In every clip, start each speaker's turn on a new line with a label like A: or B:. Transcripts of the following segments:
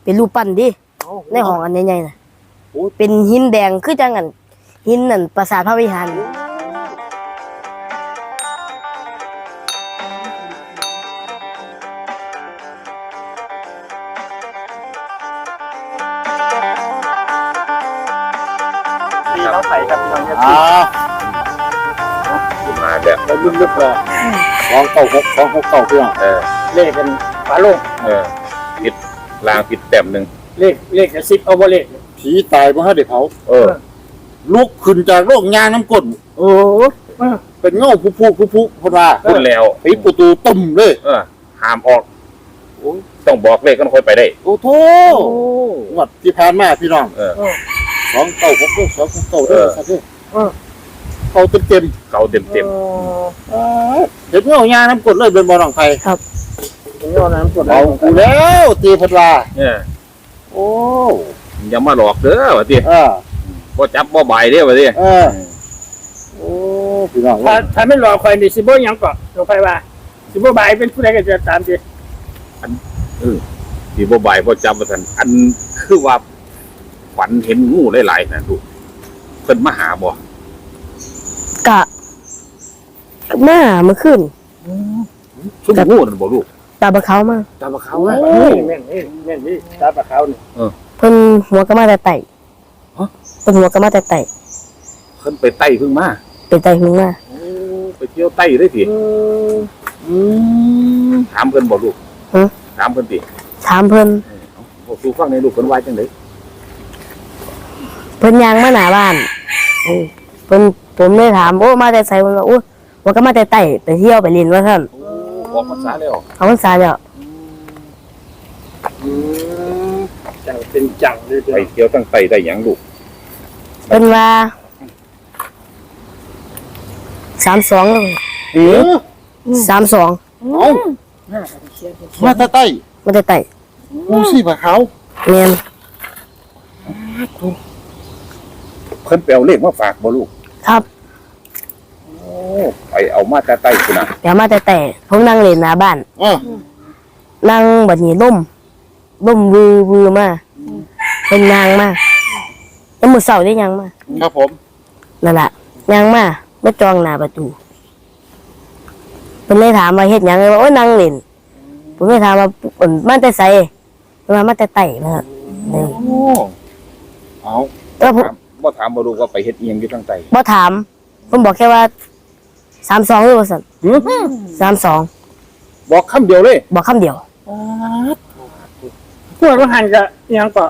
A: เป็นรูปปั้นดิในห้องอันใหญ่ๆน่ะเป็นหินแดงคือจังอันหินนั่นปราสาทพระวิหาร
B: เราใส่กับพี่น้อง
C: มาแบบ
B: ลึกๆเลย296 269พี่น้องเลขเป็นฝาโลง
C: ผิดลางผิดแต้มหนึ่ง
B: เลขกับ10เอาบ่เลขผีตายบ่ฮะเด็กเผาลุกขึ้นจากโลกยางน้ำก้นเป็นเงาผู้พว่า
C: พูดแล้ว
B: ปิดประตูตุ่มเลย
C: ห้ามออกต้องบอกเลขกันค่อยไปได้
B: โอ้โธ่วัดที่ผ่านมาพี่น้อง296 269เด้อครับพี่เขาเต็มเห็นเงายางน้ำก้นเลยเป็นบ่อน้องไผ
A: ครับ
B: เห็นเงาน้ำก้นเอากูแล้วตีเพิ่นว่าโอ้
C: อย่ามาหลอกเด้อว่าติบ่จับบ่ใบเด้อว่าติ
B: โอ้พี่น้องถ้าไม่หลอกใครนี่สิบ่หยังก็หลอกใครว่าสิบ่ใบเป็นผู้ใดก็จะตามสิ
C: อันสิบ่ใบบ่จับว่าซั่นอันคือว่าฝันเห็นงูหลายๆน่ะลูกเพิ่นมาหาบ่
A: กะมาเมื่อคืน
C: ซุ่มงูนั่นบ่ลูก
A: ตาบะเขามา
C: ตาบะเขา
B: แม่นนี่ตาบะเขานี่
A: เพิ่นหัวก็มาแต่ไต่เพิ่นหัวก็มาแต่ไต่
C: เพิ่นไปไต่พึ่งมา
A: ไปไต่พึ่งมา
C: ไปเที่ยวไต่ได้สิถามเพิ่นบ่ลูกถามเพิ่นติ
A: ถามเพิ่น
C: บ่สู่ฟังในลูกเพิ่นว่าจังได๋
A: เพิ่นย่างมาหน้าบ้านเพิ่นผมเลยถามโอ้มาแต่ไสเพิ่นว่าโอ้หัวก็มาแต่ไต่ไปเที่ยวไปเล่นว่าซั่น
C: ออกพรรษาแล้ว
A: เอาพรรษาแล้ว
B: จังเป็นจังเลย
C: ไปเที่ยวตั้งไต่ได้หยังลูก
A: เป็นว่า3232
B: มาแต่ใต้
A: มาแต่ไต่
B: งูสิบะเขา
A: แม่น
C: เพิ่นไปเอาเลขมาฝากบ่ลูก
A: ครับ
C: ไปเอามาแต่ใต้พุ่นน่ะ
A: ไปเอามาแต่ไต่ผมนั่งเล่นหน้าบ้านนั่งบัดนี้ล่มวือมาเป็นยางมาแล้วมื้อเช้าได้ยางมา
B: ครับผม
A: นั่นล่ะยางมาบ่จองหน้าประตูเพิ่นเลยถามว่าเฮ็ดหยังว่าโอ้ยนั่งเล่นผมเลยถามว่ามาแต่ไสมาแต่ไต่นะ
C: เอาแล้วบ่ถามบ่รู้ว่าไปเฮ็ดอีหยังอยู่ทางใต้
A: บ่ถามผมบอกแค่ว่า32หรือว่าซั่น32
C: บอกคำเดียวเลย
A: บอกคำเดียว
B: พวกหันก็ยังก็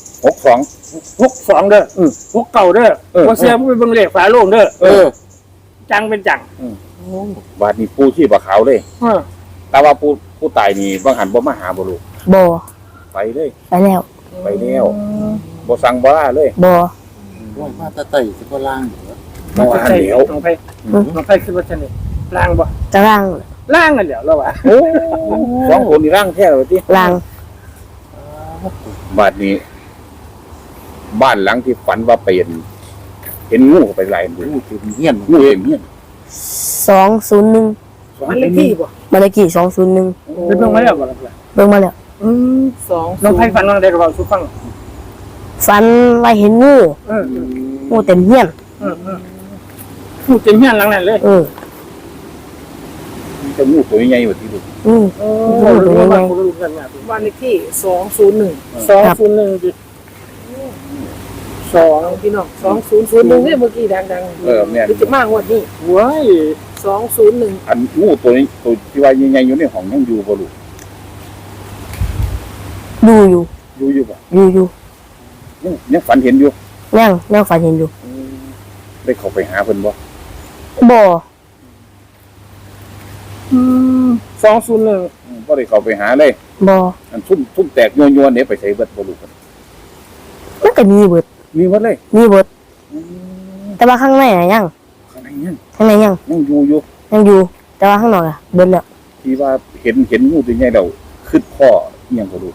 B: 62เด้อ69เด้อบ่เสียบ่ไปเบิ่งเลขฝาโลงเด้อจังเป็นจัง
C: บาดนี้ปู่ที่บ่ขาวเลยแต่ว่าผู้ตายนี่บางหันบ่มาหาบ่ลูก
A: บ่
C: ไปเลย
A: ไปแล้ว
C: บ่สั่งบ่ลาเลย
A: บ่
B: มาแต่ใต้สิบ่ล่าง
C: มาหันเดียว
B: น้องไผสิบ่ซั่นนี่ล่างบ่
A: จะล่าง
B: นั่นแหละแล้วว่า
C: สองคนนี่ร่างแท้เลยที่
A: ล่าง
C: บาดนี้บ้านหลังที่ฝันว่าไปเห็นงูไปหลายงูเต็มเงี้ยน201
B: บ้านเลขที่บ่
A: บ้านเลขที่201
B: เบิ่งมาแล้วบ่ล่ะ
A: เบิ่งมาแล้ว
B: 2น้องไผฝันว่าได้ก็เว้าสู่ฟัง
A: ฝันว่าเห็นงูเต็มเงี้ยน
B: งูเต็มเงี้ยนหลังนั้นเลย
C: จะงูตัวใหญ่กว่าที่ลูก
A: งูตัวใหญ่
B: บ้านเลขที่201ดิ2พี่น้อง2001เนี่ยเมื่อกี้ดัง
C: แม่น
B: จะมางวดนี้โว้ย201
C: อันงูตัวนี้ตัวที่ว่าใหญ่ๆอยู่ในห้องยังอยู่บ่ลูก
A: อยู่
C: บ่ยังฝันเห็นอยู่
A: ยังฝันเห็นอยู่
C: ได้เข้าไปหาเพิ่นบ่
B: 201
C: บ่ได้เข้าไปหาเลย
A: บ่
C: อันซุ่มแตกยัวๆเนี่ยไปใส่เบิดบ่ลูก
A: มันก็มีเบิด
C: เลย
A: มีเบิดแต่ว่าข้างในน่ะยัง
C: ยัง
A: อยู่แต่ว่าข้างนอกอ่ะเบิดแล้ว
C: ที่ว่าเห็นงูตัวใหญ่แล้วคิดพ่ออีหยังบ่ลูก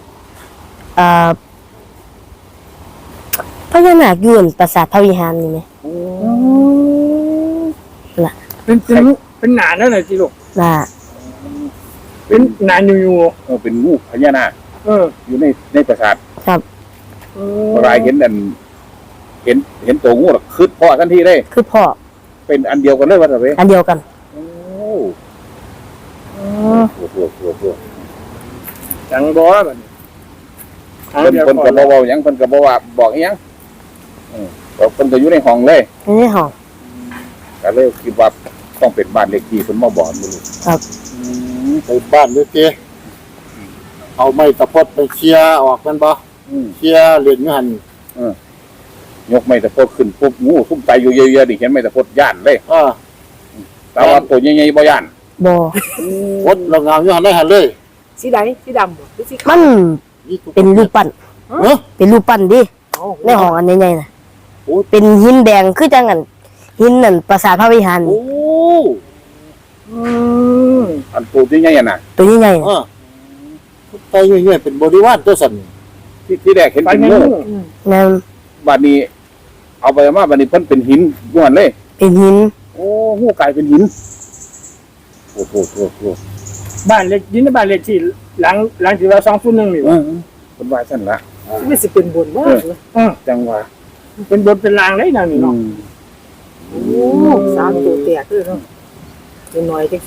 A: พญานาคอยู่ปราสาทพระวิหารนี่แหมล่ะ
B: เป็นหนานั่นน่ะจิลูก
A: น่ะ
B: เป็นหนาอยู่
C: เป็นงูพญานาคอยู่ในปราสาท
A: ครับ
C: พอรายเห็นอันเห็นตัวงูหรอกคืดพ่อทันทีเลย
A: คือพ่อ
C: เป็นอันเดียวกันเลยว่าแต่เว้ย
A: อันเดียวกัน
C: โอ้โห
D: จังบ่บัดนี้
C: เพิ่นก็บ่เว้าหยังเพิ่นก็บ่ว่าบอกอีหยังเพิ่นก็อยู่ในห้องเลย
A: ไม่ได้ห้อง
C: ก็เลยคิดว่าต้องเป็นบ้านเลขที่เพิ่นมาบอกมื้อนี้
A: ครับ
B: ไปบ้านเลยเจ้เอาไม้ตะพดไปเคลียร์ออกกันบ่เคลียร์เหรียญอยู่หั่น
C: ยกไม้ตะพดขึ้นปุ๊บงูซุ่มใจอยู่เยอะๆดิเห็นไม้ตะพดย่านเลย แต่ว่าตัวใหญ่ๆบ่ย่าน
A: บ่
B: พดเรางามอยู่หั่นได้หั่นเลย
D: สีใดสีดำบ่หรือสีขาว
A: มันเป็นรูปปั้น
B: เนาะ
A: เป็นรูปปั้นดิ
D: อ๋อ
A: ในห้องอันใหญ่ๆน่ะ
B: โอ้
A: เป็นหินแดงคือจังอันหินนั่นปราสาทพระวิหาร
B: โอ้
C: อันตัวใหญ่ๆน่ะ
A: ตัวใหญ่ๆ
B: เอ
A: น่ะ
B: อไปเรื่อยๆเป็นบริวารตัวสั่น
C: ที่แรกเห็น
D: ไป
C: เป็น
D: ไง
C: งู
A: นั่น
C: บัดนี้ เอาไปมาบัดนี้เพิ่นเป็นหินย้วนเลย
A: เป็นหิน
C: โอ้งูกลายเป็นหินโอ้โห
D: บ้านเล็กยินบ้านเล็กที่หลังที่ว่า201นี่
C: เออเพิ่นว่าซั่นล่ะ
D: ไม่สิเป็นบนว่า
C: จังว่า
D: เป็นบนเป็นลางได้นั่นนี่เนาะโอ้สามตัวแตกเลยเนาะเป็นน้อยจังสิ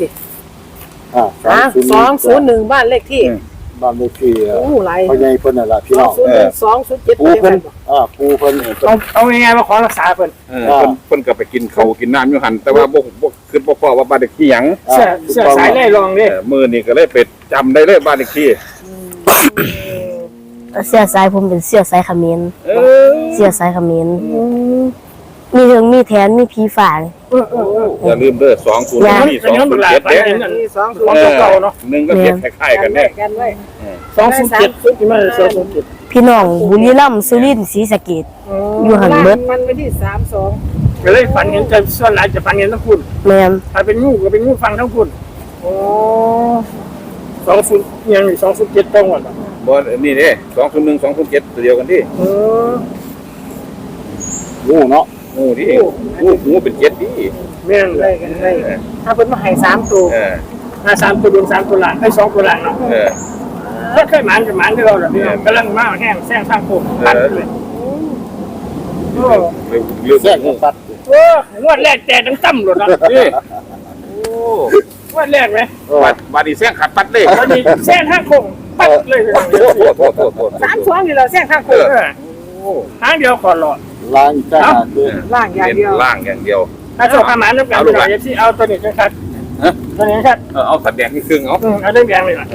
D: 201บ้านเลขที่
B: บ้านเลขที่
D: โอ้หลาย
B: พ่อใหญ่เพิ่นน่ะล่ะพี่น้อง
D: 201 207
B: ปูเพิ่นปูเพิ่น
D: เอาง่ายๆว่าขอรักษาเพิ่น
C: เพิ่นก็ไปกินข้าวกินน้ำอยู่หั่นแต่ว่าบ่คิดบ่พอว่าบ้านเลขที่หยัง
D: เสื้อสายไล่รองเด้
C: มื้อนี้ก็เลยไปจำได้เลยบ้านเลขที่
A: เสื้อสายผมเป็นเสื้อสายเขมร
C: เออ
A: เสื้อสายเขมรมีเถิงมีแทนมีผีฝ่า
C: อย่าลืมเด้อ201นี่
D: อันนี้มันหลาย
C: 207
D: ไป
C: เด้
D: นั่นของเก่าเนาะ
C: หนึ่งก็เก็บคล้ายๆกันแน่
D: 207ที่มา207
A: พี่น้องบุรีรัมย์สุรินทร์ศรีสะเกษอยู่หันเบิด
E: มันไปที่32
D: ก็เลยฝันเห็นจะส่วนหลายจะฝันเห็นทั้งคุณ
A: แม่น
D: ถ้าเป็นงูก็เป็นงูฟังทั้งคุณโอ้20ยัง207ตรงหมด
C: บ่นี่เด้201 207ตัวเดียวกันดิ
B: งูเนาะ
C: งูดิงูเป็น7ดิ
D: แม่นเลยกันเลยถ้าเพิ่นมาให้3ตัว ถ้า3ตัวบน3ตัวล่างให้2ตัวล่างเนาะถ้าเคยหมานกับหมานที่เราแบบนี้กำลังมาแห้งแซงทางโค้งตัดเลยโอ้
C: เรื่อง
B: แทรก
C: งู
B: ตัด
D: โหงวดแรกแต่ตั้งๆหมดเนาะ
C: นี่
D: งวดแรกไหม
C: บาดนี้แซงขัดปัดเลย
D: วันนี้แซงทางโค้งปัดเลย
C: โทษ
E: 32นี่เราแซงทางโค้ง
D: ทางเดียวขอหลอด
B: ล้างจ้าคือ
E: ล่างอย่างเดียว
C: ล่างอย่างเดียว
D: ถ้าโชว์ขมานน้ำกันเราจะที่เอาตัวนี้กันครับตัวนี้ครับ
C: เอาสัดแดงที่ครึ่งเอา
D: เอาได้แดงเลยนะ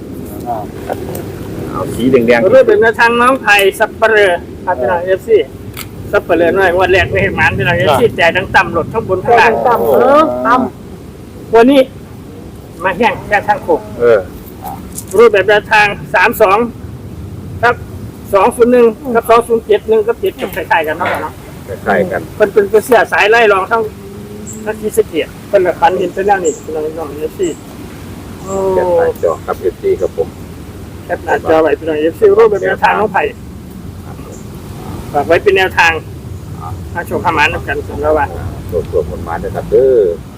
C: เอาสีแดง
D: เรื่องเป็นทางน้องไทยสับเปลือพัฒนาเอฟซีสับเปลือหน่อยวันแรกไม่เห็นมันเป็นอะไรเอฟซีแต่ทั้งต่ำหลดทั้งบนข้างล่าง
E: ต่ำ
D: วันนี้มาแห้งแค่ทางโค้งรูปแบบแนวทาง32ครับ201กับ2071กับ7กับคล้ายๆกันเนาะ
C: คล้ายกัน
D: เป็นเสื้อสายไล่รองทั้งที่สเกียร์เป็นแบบพันเห็นเป็นอย่างนี้เป็นน้องเอฟซีโอ้
C: แค่หน้าจอครับอยู่ที่ครับผม
D: แคปหน้าจอไว้เป็นหน่อยเอฟซีรูปเป็นแนวทางน้องไผ่ฝากไว้เป็นแนวทางถ้าโชว์ขมานกันสำหรับว่า
C: ตัวมันมาเลยครับเด้อ